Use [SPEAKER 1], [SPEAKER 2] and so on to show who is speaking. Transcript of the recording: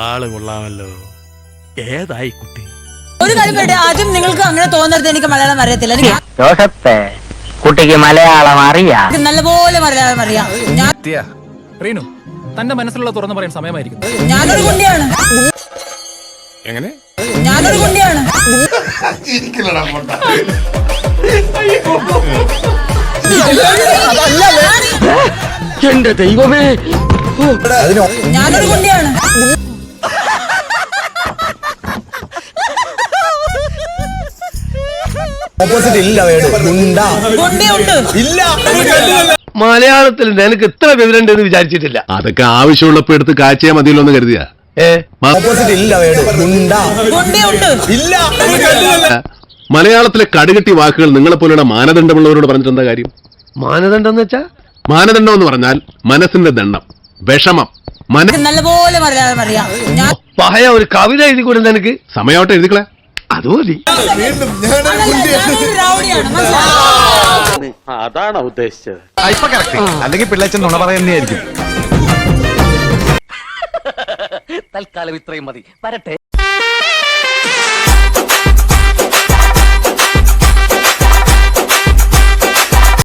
[SPEAKER 1] ആള് കൊള്ളാമല്ലോ. ഏതായി കുട്ടി?
[SPEAKER 2] ഒരു കാര്യം പറയട്ടെ, ആദ്യം നിങ്ങൾക്ക് അങ്ങനെ തോന്നരുത് എനിക്ക് മലയാളം അറിയത്തില്ല.
[SPEAKER 3] ജോസഫേ, കുട്ടിക്ക് മലയാളം അറിയാം.
[SPEAKER 2] നല്ലപോലെ മലയാളം അറിയാം.
[SPEAKER 4] റീനു, തന്റെ മനസ്സിലുള്ള തുറന്നു പറയാൻ സമയമായിരിക്കും.
[SPEAKER 2] ഞാനൊരു കുണ്ടിയാണ്.
[SPEAKER 1] എങ്ങനെ?
[SPEAKER 2] ഞാനൊരു കുണ്ടിയാണ്.
[SPEAKER 3] എന്റെ ദൈവമേ,
[SPEAKER 2] ഞാനൊരു കുണ്ടിയാണ്.
[SPEAKER 5] മലയാളത്തിൽ നിനക്ക് ഇത്ര വിവരമുണ്ടെന്ന് വിചാരിച്ചിട്ടില്ല.
[SPEAKER 6] അതൊക്കെ ആവശ്യമുള്ളപ്പോ എടുത്ത് കാഴ്ചയാ മതിയല്ലോ എന്ന് കരുതിയാ. മലയാളത്തിലെ കടുകെട്ടി വാക്കുകൾ നിങ്ങളെ പോലെയുള്ള മാനദണ്ഡമുള്ളവരോട് പറഞ്ഞിട്ട് എന്താ കാര്യം?
[SPEAKER 5] മാനദണ്ഡം എന്ന് വെച്ചാ?
[SPEAKER 6] മാനദണ്ഡം എന്ന് പറഞ്ഞാൽ മനസ്സിന്റെ ദണ്ഡം, വിഷമം.
[SPEAKER 2] നല്ലപോലെ മലയാളം അറിയാം.
[SPEAKER 5] പഴയ ഒരു കവിത എഴുതി കൂടെ നിനക്ക്?
[SPEAKER 6] സമയമാവട്ടെ എഴുതിക്കളെ.
[SPEAKER 5] അത് മതി.
[SPEAKER 1] അതാണോ ഉദ്ദേശിച്ചത്?
[SPEAKER 4] അല്ലെങ്കിൽ പിള്ളേച്ചൻ നുണ പറയുന്നതായിരിക്കും.
[SPEAKER 3] തൽക്കാലം ഇത്രയും മതി. വരട്ടെ.